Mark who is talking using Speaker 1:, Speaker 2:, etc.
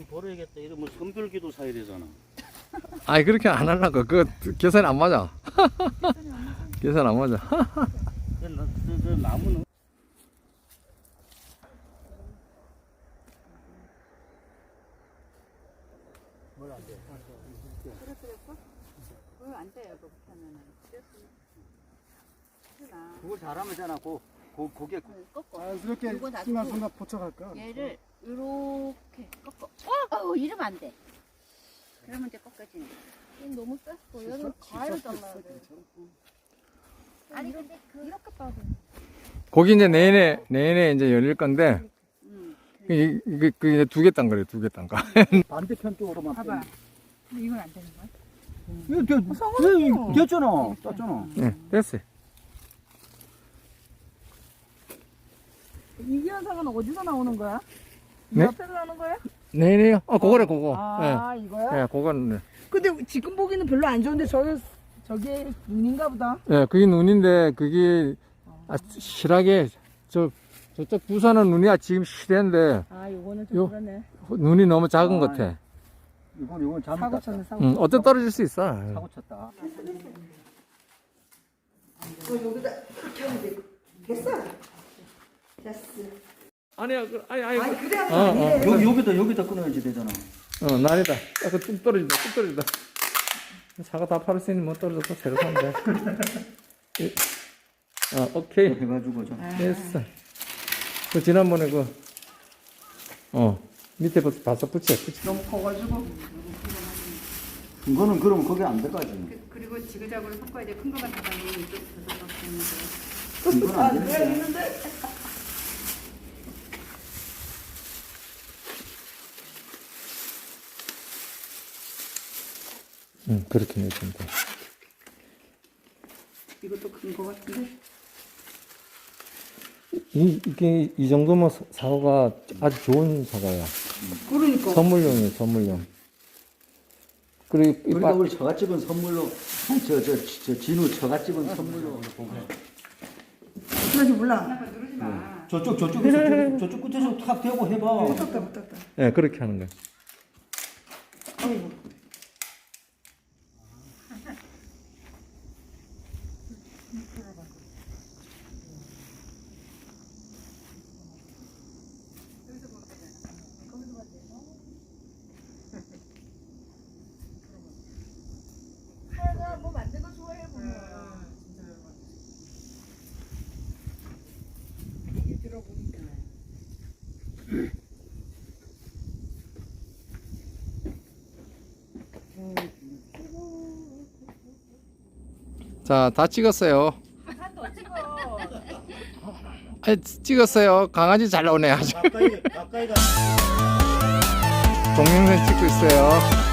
Speaker 1: 버려야겠다. 이러면 선별기도 사야 되잖아.
Speaker 2: 아니 그렇게 안 하려고. 그 계산이 안 맞아. 계산 안 맞아.
Speaker 1: 저 나무는 뭘 안 돼.
Speaker 3: 그랬어? 그거 안 돼요, 그렇게 하면은.
Speaker 1: 그거 잘하면 잖아. 고개
Speaker 3: 꺾어.
Speaker 4: 자연스럽게
Speaker 3: 요거 놔두고
Speaker 4: 순간 순간 포착할까?
Speaker 3: 얘를 이렇게 꺾어. 이러면 안 돼. 그러면 이제 꺾어지네.
Speaker 5: 이건 너무 셌어. 얘는 가위로 잘라야 돼.
Speaker 3: 아니 근데
Speaker 5: 이렇게 따도.
Speaker 2: 거기 이제 내내 이제 열릴 건데 이게 이제 두 개 딴 거래. 두 개 딴 거.
Speaker 1: 반대편 쪽으로만.
Speaker 3: 봐봐. 근데 이건 안 되는 거야?
Speaker 1: 이거 됐잖아. 땄잖아.
Speaker 2: 네, 됐어요.
Speaker 5: 이 현상은 어디서 나오는 거야? 이
Speaker 2: 네?
Speaker 5: 옆에서 나오는 거야?
Speaker 2: 네네요. 그거래 그거.
Speaker 5: 아,
Speaker 2: 네.
Speaker 5: 이거야?
Speaker 2: 네, 그거는. 네.
Speaker 5: 근데 지금 보기는 별로 안 좋은데 저게 눈인가 보다.
Speaker 2: 네, 그게 눈인데 그게 실하게 저쪽 부산은 눈이 지금 실한데
Speaker 5: 아, 요거는 좀
Speaker 2: 요-
Speaker 5: 그러네.
Speaker 2: 눈이 너무 작은 것 같아.
Speaker 1: 이건 잘못
Speaker 5: 사고
Speaker 1: 땄다.
Speaker 5: 쳤네, 사고.
Speaker 2: 어때 떨어질 수 있어.
Speaker 1: 사고 쳤다.
Speaker 3: 여기다 이렇게 하면 돼. 됐어? 됐어.
Speaker 2: 아니야,
Speaker 3: 아니 그래야
Speaker 1: 여기다 끊어야지 되잖아.
Speaker 2: 난이다. 뚝 떨어진다, 뚝 떨어진다. 사과 다 팔을 수 있는 뭐 떨어져서 새로 사면 돼. 오케이.
Speaker 1: 해가지고 좀.
Speaker 2: 됐어. 그 지난번에 밑에 바싹 붙여.
Speaker 5: 너무 커가지고.
Speaker 1: 이거는 그러면 거기 안 들어가지.
Speaker 3: 그리고 지그자그로 섞어야 돼. 큰 거만 잡아내면 이쪽 저쪽 섞이는 거.
Speaker 1: 이건 안 되는데.
Speaker 2: 그렇게 내주면 돼.
Speaker 3: 이것도 큰 거 같은데?
Speaker 2: 이게 이 정도면 사과가 아주 좋은 사과야.
Speaker 3: 그러니까.
Speaker 2: 선물용이에요, 선물용. 그리고
Speaker 1: 그러니까 우리 처갓집은 선물로 저 진우 처갓집은 선물로
Speaker 5: 그러지 몰라.
Speaker 3: 누르지 마.
Speaker 1: 저쪽 끝에서 탁 대고 해봐.
Speaker 5: 못 떴다.
Speaker 2: 네, 그렇게 하는 거야.
Speaker 5: 아이고. 하여가 뭐 만든 거 좋아해 보면. 얘기 들어보니까.
Speaker 2: 자, 다 찍었어요. 아니, 찍었어요. 강아지 잘 나오네. 아주.
Speaker 1: 가까이 가.
Speaker 2: 동영상 찍고 있어요.